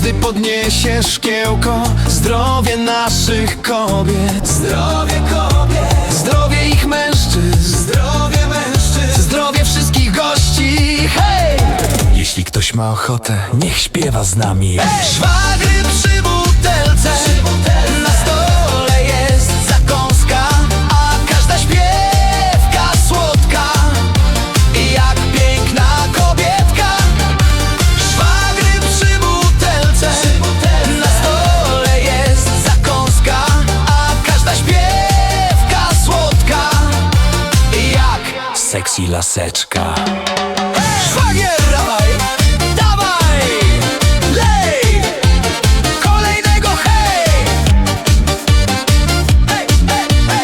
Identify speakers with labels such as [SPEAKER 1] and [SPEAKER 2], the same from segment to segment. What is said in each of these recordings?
[SPEAKER 1] każdy podniesie szkiełko. Zdrowie naszych kobiet, zdrowie kobiet, zdrowie ich mężczyzn, zdrowie mężczyzn, zdrowie wszystkich gości. Hej! Jeśli ktoś ma ochotę, niech śpiewa z nami. Szwagry przy butelce, na stole jest zakąska, a każda śpiewka słodka jak piękna kobietka. Szwagry przy butelce, na stole jest zakąska, a każda śpiewka słodka jak sexy laseczka. Szwagier, dawaj, dawaj, lej, kolejnego hej. Hej, hej, hej.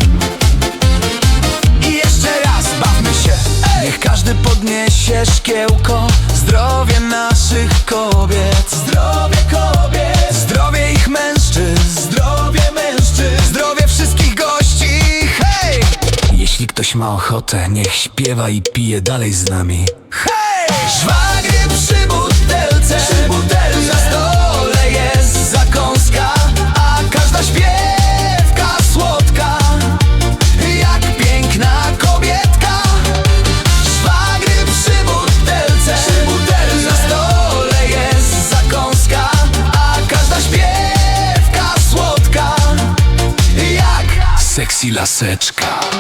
[SPEAKER 1] I jeszcze raz bawmy się. Niech każdy podniesie szkiełko. Zdrowie naszych kobiet, zdrowie kobiet, zdrowie ich mężczyzn, zdrowie mężczyzn, zdrowie wszystkich gości. Hej! Jeśli ktoś ma ochotę, niech śpiewa i pije dalej z nami. Hej! Szwagry przy butelce, na stole jest zakąska, a każda śpiewka słodka jak piękna kobietka. Szwagry przy butelce, na stole jest zakąska, a każda śpiewka słodka jak sexy laseczka.